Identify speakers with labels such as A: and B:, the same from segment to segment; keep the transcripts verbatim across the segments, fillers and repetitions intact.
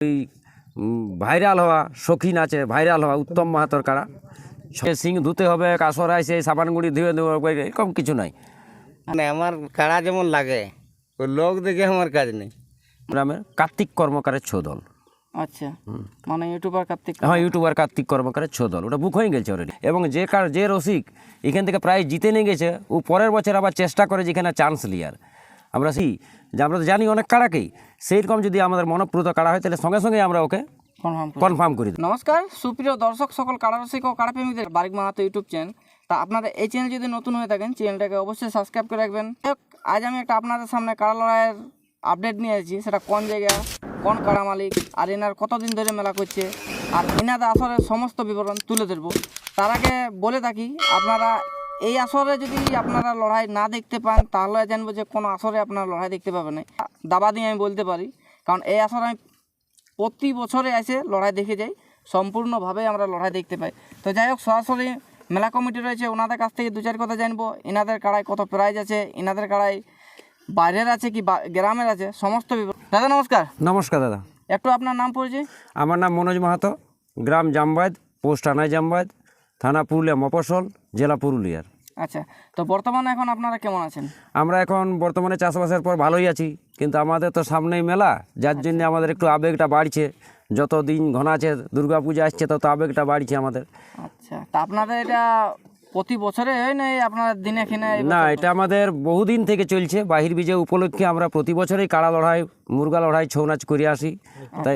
A: ওই ভাইরাল হওয়া শৌখিন আছে, ভাইরাল হওয়া উত্তম মাহাতর কাড়া। সিং ধুতে হবে, কাসরায় সেই সাবানগুড়ি ধুয়ে দেবো, এরকম কিছু নাই।
B: মানে আমার কাড়া যেমন লাগে ওই লোক দেখে আমার কাজ নেই।
A: গ্রামের কার্তিক কর্মকারের ছোদল।
C: আচ্ছা, মানে ইউটিউবার কার্তিক।
A: হ্যাঁ, ইউটিউবার কার্তিক কর্মকারের ছোদল, ওটা বুক হয়ে গেছে অলরেডি। এবং যে কার যে রসিক এখান থেকে প্রায় জিতে নিয়ে গেছে, ও পরের বছর আবার চেষ্টা করে যেখানে চান্স লিয়ার। আমরা সেই যে আমরা তো জানি অনেক কাড়াকেই, সেইরকম যদি আমাদের মনপ্রুত কাড়া হয় তাহলে সঙ্গে সঙ্গে আমরা ওকে
C: কনফার্ম
A: কনফার্ম করি দিই।
C: নমস্কার সুপ্রিয় দর্শক সকল কাড়া রসিক ও কাড়া প্রেমীদের, বারিক মাহাতো ইউটিউব চ্যানেল। তা আপনারা এই চ্যানেল যদি নতুন হয়ে থাকেন চ্যানেলটাকে অবশ্যই সাবস্ক্রাইব করে রাখবেন। আজ আমি একটা আপনাদের সামনে কাড়া লড়াইয়ের আপডেট নিয়ে এসেছি। সেটা কোন জায়গা, কোন কাড়া মালিক, আর এনার কতদিন ধরে মেলা করছে, আর এনাদের আসরের সমস্ত বিবরণ তুলে ধরবো। তার আগে বলে থাকি, আপনারা এই আসরে যদি আপনারা লড়াই না দেখতে পান তাহলে জানবো যে কোনো আসরে আপনারা লড়াই দেখতে পাবেন না। দাবা দিয়ে আমি বলতে পারি, কারণ এই আসরে আমি প্রতি বছরে এসে লড়াই দেখে যাই, সম্পূর্ণভাবে আমরা লড়াই দেখতে পাই। তো যাই হোক, সরাসরি মেলা কমিটি রয়েছে, ওনাদের কাছ থেকে দু চার কথা জানবো। এনাদের কাড়ায় কত প্রাইজ আছে, এনাদের কাড়ায় বাইরের আছে কি গ্রামের আছে, সমস্ত বিবরণ। দাদা নমস্কার।
A: নমস্কার দাদা।
C: একটু আপনার নাম পরিচয়।
A: আমার নাম মনোজ মাহাতো, গ্রাম জামবাদ, পোস্ট আনাই জামবাদ, থানা পুরুলিয়া মফস্বল, জেলা পুরুলিয়ার।
C: আচ্ছা, তো বর্তমানে এখন আপনারা কেমন আছেন?
A: আমরা এখন বর্তমানে চাষবাসের পর ভালোই আছি, কিন্তু আমাদের তো সামনেই মেলা, যার জন্য আমাদের একটু আবেগটা বাড়ছে। যত দিন ঘনাছে, দুর্গা পূজা আসছে, তত আবেগটা বাড়ছে আমাদের।
C: আচ্ছা, তা আপনাদের এটা প্রতি বছরে হয় না আপনারা দিনে কিনে?
A: না, এটা আমাদের বহুদিন থেকে চলছে। বাহির বিজয় উপলক্ষে আমরা প্রতি বছরই কাড়া লড়াই, মুরগা লড়াই, ছৌ নাচ করে আসি। তাই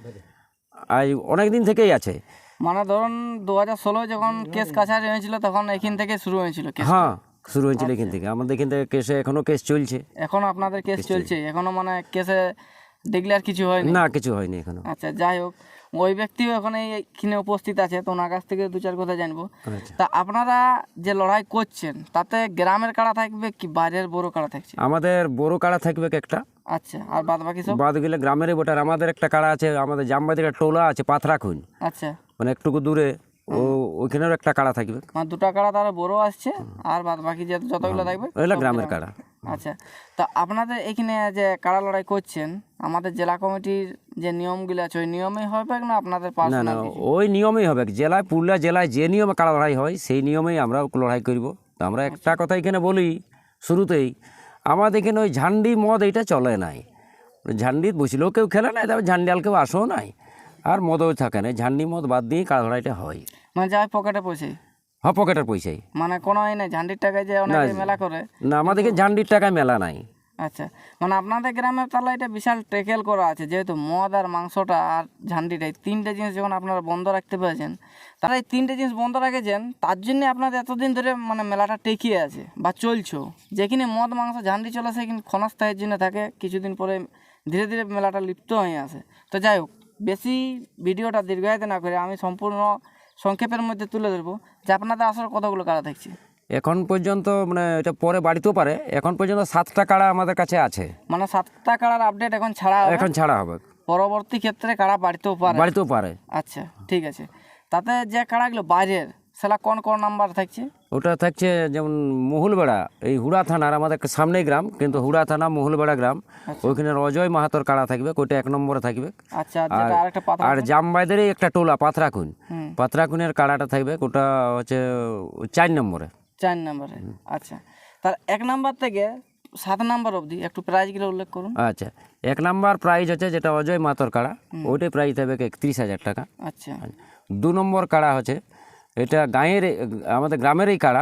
A: আজ অনেক দিন থেকেই আছে।
C: মানে ধরুন দু হাজার ষোলো যখন কেস কাছারি হয়েছিল তখন এখান থেকে শুরু হয়েছিল কেস?
A: হ্যাঁ, শুরু হয়েছিল এখান থেকে। আমাদের এখান থেকে কেসে এখনো কেস চলছে।
C: এখনো আপনাদের কেস চলছে? এখনো মানে কেসে ডিক্লেয়ার কিছু হয়নি?
A: না, কিছু হয়নি এখনো।
C: আচ্ছা, যাই হোক, ওই ব্যক্তিও এখন এইখানে উপস্থিত আছে, তো ওনার কাছ থেকে দু চার কথা জানবো। তা আপনারা যে লড়াই করছেন তাতে গ্রামের কাড়া থাকবে কি বাইরের বড় কাড়া থাকছে?
A: আমাদের বড় কাড়া থাকবে একটা।
C: আচ্ছা, আর বাদ বাকি সব?
A: বাদ গেলে গ্রামেরই বটার। আমাদের একটা কাড়া আছে, আমাদের জামবাদের একটা টোলা আছে পাথরাখুন,
C: আচ্ছা,
A: মানে একটুকু দূরে, ও ওইখানেও একটা কাড়া থাকবে।
C: মানে দুটা কাড়া তাহলে বড় আসছে, আর বাদ বাকি যে যতগুলো থাকবে
A: ওইগুলো গ্রামের কাড়া।
C: আচ্ছা, তো আপনাদের এখানে যে কাড়া লড়াই করছেন, আমাদের জেলা কমিটির যে নিয়মগুলো আছে ওই নিয়মেই হবে না আপনাদের
A: না না,
C: পার্সোনাল?
A: ওই নিয়মেই হবে। জেলায়, পুরুলিয়া জেলায় যে নিয়মে কাড়া লড়াই হয় সেই নিয়মেই আমরা লড়াই করব। তো আমরা একটা কথা এখানে বলি শুরুতেই, আমাদের এখানে ওই ঝান্ডি মদ এইটা চলে নাই। ঝান্ডি বসলেও কেউ খেলে নাই, তবে ঝান্ডিয়াল কেউ আসেও নাই, আর মদও থাকে না। ঝান্ডি মদ বাদ দিয়ে কাড়া লড়াইটা হয়।
C: মানে যাই পকেটে পয়সা?
A: হ্যাঁ, পকেটের পয়সাই।
C: মানে কোনো এই নাই ঝান্ডির টাকায় যে অনেকে মেলা করে?
A: না, আমাদেরকে ঝান্ডির টাকায় মেলা নাই।
C: আচ্ছা, মানে আপনাদের গ্রামের তাহলে এটা বিশাল ট্যাকেল করা আছে, যেহেতু মদ আর মাংসটা আর ঝান্ডিটাই তিনটে জিনিস যখন আপনারা বন্ধ রাখতে পেরেছেন, তারা এই তিনটে জিনিস বন্ধ রেখেছেন, তার জন্য আপনাদের এতদিন ধরে মানে মেলাটা টেকিয়ে আছে বা চলছেও। যেখানে মদ মাংস ঝান্ডি চলে সেখানে ক্ষণস্থায়ের জন্য থাকে, কিছুদিন পরে ধীরে ধীরে মেলাটা লিপ্ত হয়ে আসে। তো যাই হোক, বেশি ভিডিওটা দীর্ঘায়িত না করে আমি সম্পূর্ণ সংক্ষেপের মধ্যে তুলে ধরবো যে আপনাদের আসলে কতগুলো কাড়া থাকছে
A: এখন পর্যন্ত। মানে এটা পরে বাড়িতেও পারে। এখন পর্যন্ত সাতটা কাড়া আমাদের কাছে আছে।
C: মানে সাতটা কাড়ার আপডেট এখন ছাড়া হবে?
A: এখন ছাড়া হবে।
C: পরবর্তী ক্ষেত্রে কাড়া বাড়িতেও পারে?
A: বাড়িতেও পারে।
C: আচ্ছা, ঠিক আছে। তাতে যে কাড়াগুলো বাইরের, সেটা কোন কোন নাম্বার থাকছে?
A: ওটা থাকছে যেমন মহুলবেড়া, এই হুড়া থানার, আমাদের সামনেই গ্রাম, কিন্তু হুড়া থানা মহুলবেড়া গ্রাম, ওইখানে অজয় মাহাতোর কাড়া থাকবে, ওইটা এক নম্বরে থাকবে।
C: আচ্ছা, যেটা আরেকটা পাতা।
A: আর জামবাইদেরই একটা টোলা পাথরাখুন, পাথরাখুনের কাড়াটা থাকবে, ওটা হচ্ছে চার নম্বরে।
C: চার নম্বরে? আচ্ছা, তার এক নাম্বার থেকে সাত নাম্বার অবধি একটু প্রাইজগুলো উল্লেখ করুন।
A: আচ্ছা, এক নাম্বার প্রাইজ হচ্ছে যেটা অজয় মাহাতোর কাড়া, ওইটাই প্রাইজ থাকবে একত্রিশ হাজার টাকা।
C: আচ্ছা,
A: দু নম্বর কাড়া হচ্ছে এটা গাঁয়ের, আমাদের গ্রামেরই কাড়া,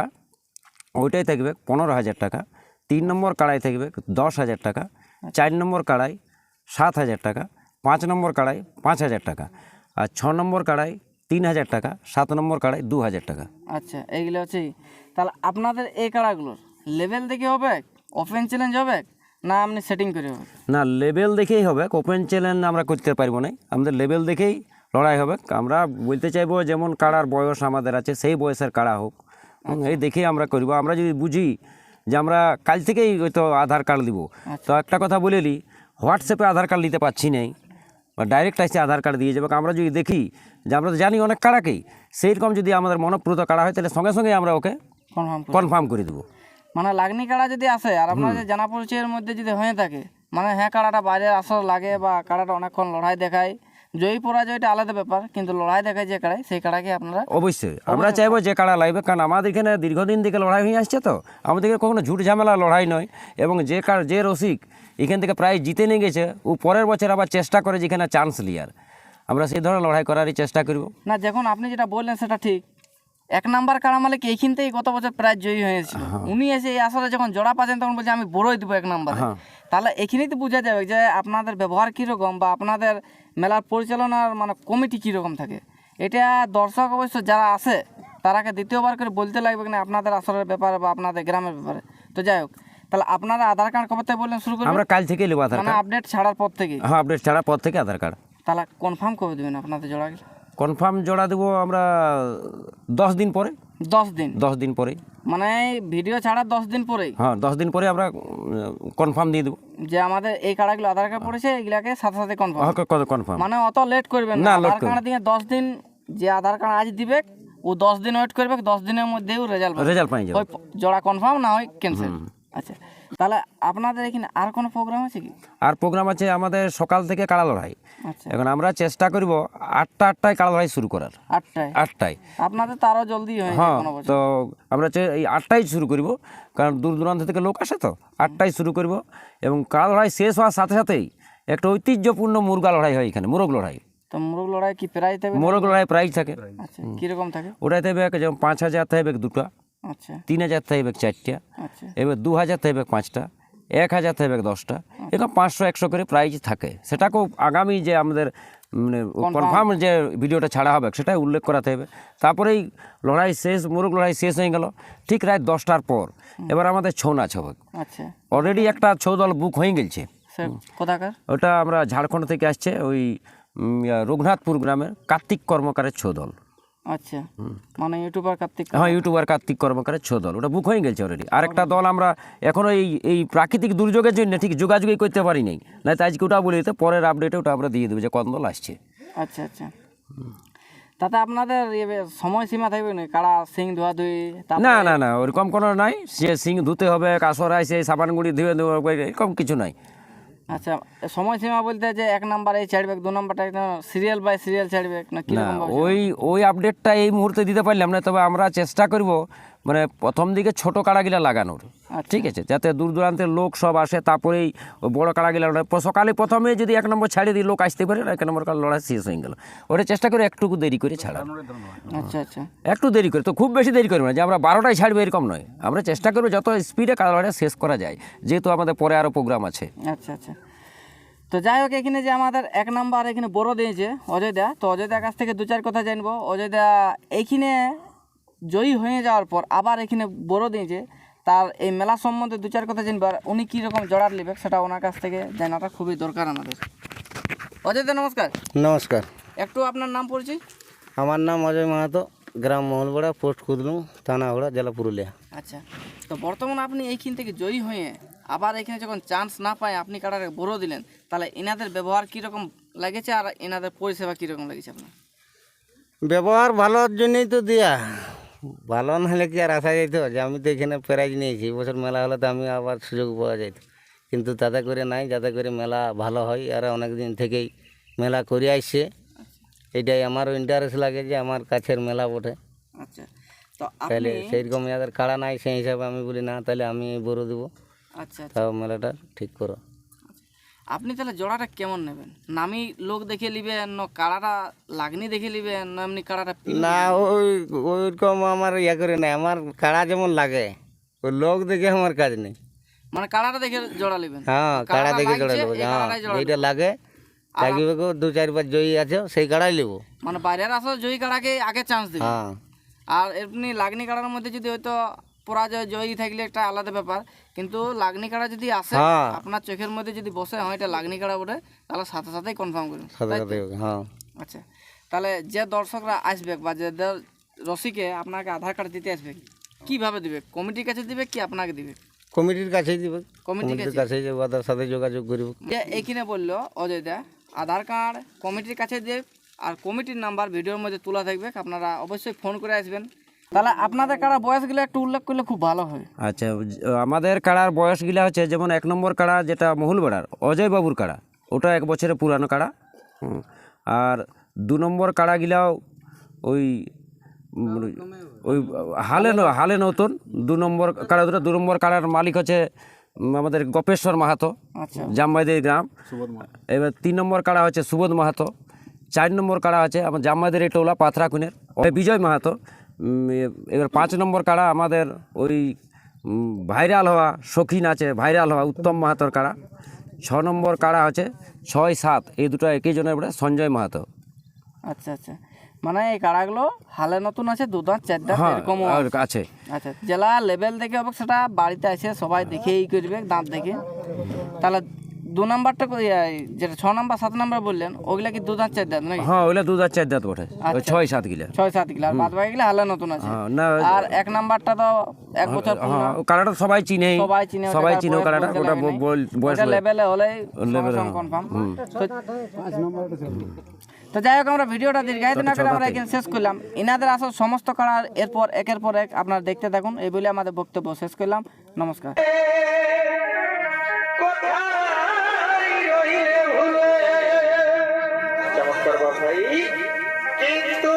A: ওইটাই থাকবে পনেরো হাজার টাকা। তিন নম্বর কাড়াই থাকবে দশ হাজার টাকা। চার নম্বর কাড়াই সাত হাজার টাকা। পাঁচ নম্বর কাড়াই পাঁচ হাজার টাকা। আর ছ নম্বর কাড়াই তিন হাজার টাকা। সাত নম্বর কাড়াই দু হাজার টাকা।
C: আচ্ছা, এইগুলো হচ্ছে। তাহলে আপনাদের এই কাড়াগুলোর লেভেল দেখে হবে, ওপেন চ্যালেঞ্জ হবে, না আপনি সেটিং করে হবে?
A: না, লেভেল দেখেই হবে। ওপেন চ্যালেঞ্জ আমরা করতে পারবো না, আমাদের লেভেল দেখেই লড়াই হবে। আমরা বলতে চাইবো যেমন কাড়ার বয়স আমাদের আছে সেই বয়সের কাড়া হোক, এই দেখেই আমরা করবো। আমরা যদি বুঝি যে আমরা কাল থেকেই হয়তো আধার কার্ড দিব, তো একটা কথা বলে নিই, হোয়াটসঅ্যাপে আধার কার্ড নিতে পারছি নাই বা ডাইরেক্ট আসছে আধার কার্ড দিয়ে যাবে। আমরা যদি দেখি যে আমরা তো জানি অনেক কাড়াকেই, সেইরকম যদি আমাদের মনপ্রুত কাড়া হয় তাহলে সঙ্গে সঙ্গে আমরা ওকে
C: কনফার্ম
A: কনফার্ম করে দেবো।
C: মানে লাগনি কাড়া যদি আসে আর আপনাদের জানা পরিচয়ের মধ্যে যদি হয়ে থাকে, মানে হ্যাঁ কাড়াটা বাইরে আসর লাগে বা কাড়াটা অনেকক্ষণ লড়াই দেখায়, জয়ী পরাজয়টা আলাদা ব্যাপার, কিন্তু লড়াই দেখায় যে কাড়াই সেই কাড়াকে আপনারা
A: অবশ্যই আমরা চাইবো যে কাড়া লাগবে, কারণ আমাদের এখানে দীর্ঘদিন থেকে লড়াই হয়ে আসছে, তো আমাদের এখানে কখনো ঝুট ঝামেলা লড়াই নয়। এবং যে কার যে রসিক এখান থেকে প্রায় জিতে নিয়ে গেছে, ও পরের বছর আবার চেষ্টা করে যেখানে চান্স লিয়ার, আমরা সেই ধরনের লড়াই করারই চেষ্টা করব।
C: না, যখন আপনি যেটা বললেন সেটা ঠিক। এক নাম্বার কাড়া মালিক এইখান থেকেই গত বছর প্রায় জয়ী হয়েছিল। উনি এসে এই আসলে যখন জোড়া পাচ্ছেন তখন বলছে আমি বড়ই দেবো এক নাম্বারে। তাহলে এখানেই তো বোঝা যাবে যে আপনাদের ব্যবহার কীরকম বা আপনাদের মেলার পরিচালনার মানে কমিটি কীরকম থাকে। এটা দর্শক অবশ্য যারা আসে তারাকে দ্বিতীয়বার করে বলতে লাগবে না আপনাদের আসলের ব্যাপারে বা আপনাদের গ্রামের ব্যাপারে। তো যাই হোক, তাহলে আপনারা আধার কার্ড কবে থেকে বললেন শুরু করবেন?
A: আমরা কাল থেকে নেবো আধার
C: মানে
A: কার্ড,
C: আপডেট ছাড়ার পর থেকে?
A: হ্যাঁ আপডেট ছাড়ার পর থেকে আধার কার্ড।
C: তাহলে কনফার্ম কবে দেবেন আপনাদের জোড়া?
A: কনফার্ম জোড়া দেবো আমরা দশ দিন পরে।
C: দশ দিন?
A: দশ দিন পরে
C: মানে ভিডিও ছাড়ার দশ দিন পরেই?
A: হ্যাঁ দশ দিন পরে আমরা কনফার্ম দিয়ে দেবো
C: যে আমাদের এই কার্ডগুলো আধার কার্ড পড়েছে এগুলাকে সাথে সাথে কনফার্ম।
A: কনফার্ম
C: মানে অত লেট করবেন
A: না,
C: না।
A: late
C: আধার কার্ড দিয়ে দশ দিন, যে আধার কার্ড আজ দিবে ও দশ দিন ওয়েট করবে, দশ দিনের মধ্যেই রেজাল্ট
A: রেজাল্ট পাই যাবে,
C: ওই জোড়া কনফার্ম না হয় ক্যান্সেল। আচ্ছা, তাহলে আপনাদের এখানে আর কোনো প্রোগ্রাম আছে কি?
A: আর প্রোগ্রাম আছে আমাদের সকাল থেকে কাড়া লড়াই।
C: আচ্ছা,
A: এখন আমরা চেষ্টা করব আটটা আটটায় কাড়া লড়াই শুরু করার।
C: আটটায়?
A: আটটায়
C: আপনাদের তো আরও জলদি হয়
A: হ্যাঁ,
C: কোনো বছর।
A: তো আমরা চে- এই আটটায় শুরু করব, কারণ দূর দূরান্ত থেকে লোক আসে, তো আটটায় শুরু করব। এবং কাড়া লড়াই শেষ হওয়ার সাথে সাথেই একটা ঐতিহ্যপূর্ণ মুরগা লড়াই হয় এখানে, মোরগ লড়াই।
C: তো মোরগ লড়াই কি প্রাইজ থাকবে?
A: মোরগ লড়াই প্রাইজ থাকে।
C: আচ্ছা, কীরকম থাকে?
A: ওটাই থাকবে যেমন পাঁচ হাজার থাকবে দুটা,
C: আচ্ছা
A: তিন হাজার থাকবে চারটা,
C: আচ্ছা
A: এবার দু হাজার থাকবে পাঁচটা, এক হাজার থাকবে দশটা, এরকম পাঁচশো একশো করে প্রাইজ থাকে। সেটাকেও আগামী যে আমাদের মানে কনফার্ম যে ভিডিওটা ছাড়া হবে সেটাই উল্লেখ করাতে হবে। তারপরেই লড়াই শেষ, মোরগ লড়াই শেষ হয়ে গেল ঠিক রাত দশটার পর। এবার আমাদের ছৌ নাচ হবে।
C: আচ্ছা,
A: অলরেডি একটা ছৌ দল বুক হয়ে গেছে।
C: স্যার কোথাকার?
A: ওটা আমরা ঝাড়খণ্ড থেকে আসছে, ওই উম, ইয়া, রঘুনাথপুর গ্রামের কার্তিক কর্মকারের ছৌ দল।
C: আচ্ছা, মানে ইউটিউবার কার্তিক?
A: হ্যাঁ, ইউটিউবার কার্তিক কর্মকারের ছৌ দল, ওটা বুক হয়ে গেছে অলরেডি। আরেকটা দল আমরা এখনো এই এই প্রাকৃতিক দুর্যোগের জন্য ঠিক যোগাযোগই করতে পারি নাই, না তো আজকে ওটা বলে দিতে, পরের আপডেটে ওটা আমরা দিয়ে দেবো যে কোন দল আসছে।
C: আচ্ছা আচ্ছা, তাতে আপনাদের ইয়ে সময়সীমা থাকবে না? কাড়া সিং ধোয়া ধুই?
A: না না না, ওরকম কোনো নাই, সে সিং ধুতে হবে, কাসরায় সেই সাবানগুড়ি ধুয়ে দেবো, এরকম কিছু নাই।
C: আচ্ছা, সময়সীমা বলতে যে এক নাম্বার এই ছাড়বে, দু নাম্বারটা সিরিয়াল বাই সিরিয়াল ছাড়বে না
A: না,
C: কিরকম?
A: ওই ওই আপডেটটা এই মুহূর্তে দিতে পারলাম না, তবে আমরা চেষ্টা করব মানে প্রথম দিকে ছোট কাড়াগুলা লাগানোর। ঠিক আছে, যাতে দূর দূরান্তের লোক সব আসে, তারপরেই ওই বড় কাড়াগুলা লড়াই। সকালে প্রথমে যদি এক নম্বর ছাড়িয়ে দিই লোক আসতে পারে, এক নম্বর কাড়া লড়াই শেষ হয়ে গেল। ওটা চেষ্টা করে একটুকু দেরি করে ছাড়া,
C: আচ্ছা আচ্ছা,
A: একটু দেরি করে, তো খুব বেশি দেরি করবে না যে আমরা বারোটায় ছাড়বো এরকম নয়। আমরা চেষ্টা করবো যত স্পিডে কাড়া লড়াই শেষ করা যায়, যেহেতু আমাদের পরে আরও প্রোগ্রাম আছে।
C: আচ্ছা আচ্ছা। তো যাই হোক, এখানে যে আমাদের এক নাম্বার এখানে বড় দিয়েছে অজয় দা, তো অজয় দার কাছ থেকে দু চার কথা জানবো। অজয় দা এইখানে জয়ী হয়ে যাওয়ার পর আবার এখানে বড় দিয়েছে, তার এই মেলা সম্বন্ধে দু চার কথা জানবো, আর উনি কীরকম জড়ার নেবে সেটা ওনার কাছ থেকে জানাটা খুবই দরকার আমাদের। অজয় দা নমস্কার।
B: নমস্কার,
C: একটু আপনার নাম পরিচয়?
B: আমার নাম অজয় মাহাতো, গ্রাম মহলপাড়া, পোস্ট কুদলুম, থানা হাওড়া, জেলা পুরুলিয়া।
C: আচ্ছা, তো বর্তমানে আপনি এইখান থেকে জয়ী হয়ে আবার এখানে যখন চান্স না পায় আপনি কাটারে বড় দিলেন, তাহলে এনাদের ব্যবহার কীরকম লেগেছে আর এনাদের পরিষেবা কীরকম লেগেছে আপনার?
B: ব্যবহার ভালোর জন্যই তো দেয়া, ভালো নাহলে কি আর আসা যেত? যে আমি তো এখানে প্রাইজ নিয়েছি, বছর মেলা হলে তো আমি আবার সুযোগ পাওয়া যেত, কিন্তু তাতে করে নাই। যাতে করে মেলা ভালো হয়, আর অনেক দিন থেকেই মেলা করে আসছে, এটাই আমারও ইন্টারেস্ট লাগে যে আমার কাছের মেলা বটে।
C: আচ্ছা, তো
B: তাহলে
C: আপনি
B: সেইরকম যাদের কাড়া নাই সেই হিসাবে আমি বলি না, তাহলে আমি বড় দেবো,
C: আচ্ছা আচ্ছা,
B: তাও মেলাটা ঠিক করো।
C: আপনি তাহলে জোড়াটা কেমন নেবেন? নামি লোক দেখে নিবেন না কাড়াটা লাগনি দেখে নিবেন না এমনি কাড়াটা?
B: না, ওই ওইরকম আমার ইয়া করে নাই, আমার কাড়া যেমন লাগে ওই লোক দেখে আমার কাজ নেই।
C: মানে কাড়াটা দেখে জোড়া নেবেন?
B: হ্যাঁ, কাড়া দেখে জোড়া নেবো। হ্যাঁ, যেটা লাগে লাগিবে গো, দু চার পাঁচ জয়ী আছে সেই কাড়াই নেবো।
C: মানে বাইরের আসলে জয়ী কাড়াকে আগে চান্স দিবেন।
B: হ্যাঁ,
C: আর এমনি লাগনি কাড়ার মধ্যে যদি হয়তো পরাজয় জয়ী থাকলে একটা আলাদা ব্যাপার, কিন্তু লাগনি কাড়া যদি আসে
B: হ্যাঁ।
C: আপনার চোখের মধ্যে যদি বসে হয় এটা লাগনি কাড়া বটে, তাহলে সাথে সাথেই কনফার্ম করুন।
B: সাথে সাথে হ্যাঁ।
C: আচ্ছা, তাহলে যে দর্শকরা আসবে বা যে দ- রসিকে আপনাকে আধার কার্ড দিতে আসবে, কিভাবে দিবে? কমিটির কাছে দিবে কি আপনাকে দিবে?
B: কমিটির কাছেই দিবে,
C: কমিটির
B: কমিটির
C: কাছে?
B: কাছেই যাবো, ওদের সাথে যোগাযোগ করবো।
C: যে এইখানে বললো অজয় দা আধার কার্ড কমিটির কাছে দেবে, আর কমিটির নাম্বার ভিডিওর মধ্যে তোলা থাকবে, আপনারা অবশ্যই ফোন করে আসবেন। তাহলে আপনাদের কাড়া বয়সগুলো একটু উল্লেখ করলে খুব ভালো হয়।
A: আচ্ছা, আমাদের কাড়ার বয়সগুলা হচ্ছে যেমন এক নম্বর কাড়া যেটা মহুলবেড়ার অজয় বাবুর কাড়া, ওটা এক বছরের পুরানো কাড়া। হুম। আর দু নম্বর কাড়াগিলাও ওই উম, ওই হালে ন- হালে নতুন দু নম্বর কাড়া দুটো দু নম্বর কাড়ার মালিক হচ্ছে উম, আমাদের গোপেশ্বর মাহাতো,
C: আচ্ছা
A: জামবাইদের গ্রাম। এবার তিন নম্বর কাড়া হচ্ছে সুবোধ মাহাতো, চার নম্বর কাড়া আছে আমার জামবাইদের এই টোলা পাথরাকুনের বিজয় মাহাতো। উম, এ- এবার পাঁচ নম্বর কাড়া আমাদের ওই উম, ভাইরাল হওয়া শৌখিন আছে, ভাইরাল হওয়া উত্তম মাহাতোর কাড়া। ছ নম্বর কাড়া হচ্ছে ছয় সাত, এই দুটো একই জনের বলে সঞ্জয় মাহাতো।
C: আচ্ছা আচ্ছা, মানে এই কাড়াগুলো হালে নতুন আছে, দু দাঁত চার দাঁত
A: হ্যাঁ
C: এরকম
A: আর আছে।
C: আচ্ছা, জেলা লেভেল দেখে হবে সেটা বাড়িতে এসে সবাই দেখেই করবে দাঁত দেখে। তাহলে দু নাম্বারটা কই, এই যেটা ছ নাম্বার সাত নাম্বার বললেন ওগুলা কি দু দাঁত চার দাঁত নাকি?
A: হ্যাঁ ওইগুলা দু হাজার চার দাঁত বটে, ওই
C: আচ্ছা।
A: ছয় সাত গিলা।
C: ছয় সাত কিলো, আর বাদ বাকি গেলে হালে নতুন আছে।
A: হ্যাঁ, না
C: আর এক নাম্বারটা তো এক বছর পুরনো,
A: হ্যাঁ ও কাড়াটা সবাই চিনে,
C: সবাই চিনে,
A: সবাই চিনে ও কাড়াটা, ওটা ব- বল- বয়স হলে-
C: লেভেলে হলেই
A: level,
C: কনফার্ম। তো যাই হোক, আমরা ভিডিওটা দীর্ঘায়িত না করে আমরা এখানে শেষ করলাম। ইনাদের আসল সমস্ত কাড়ার এরপর একের পর এক আপনারা দেখতে থাকুন, এই বলে আমাদের বক্তব্য শেষ করলাম। নমস্কার।
D: চমৎকার কথাই, কিন্তু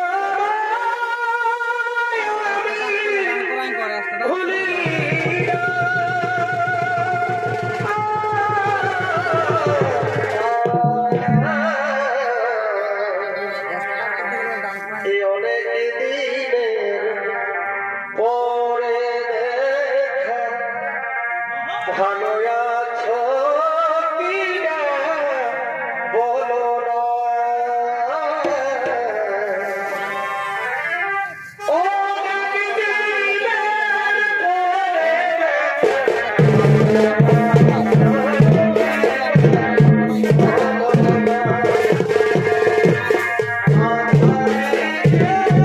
D: এই অনেক দিনের পরে দেখা ভালো আছো কিনা বলো না। অনেক দিনের পরে দেখা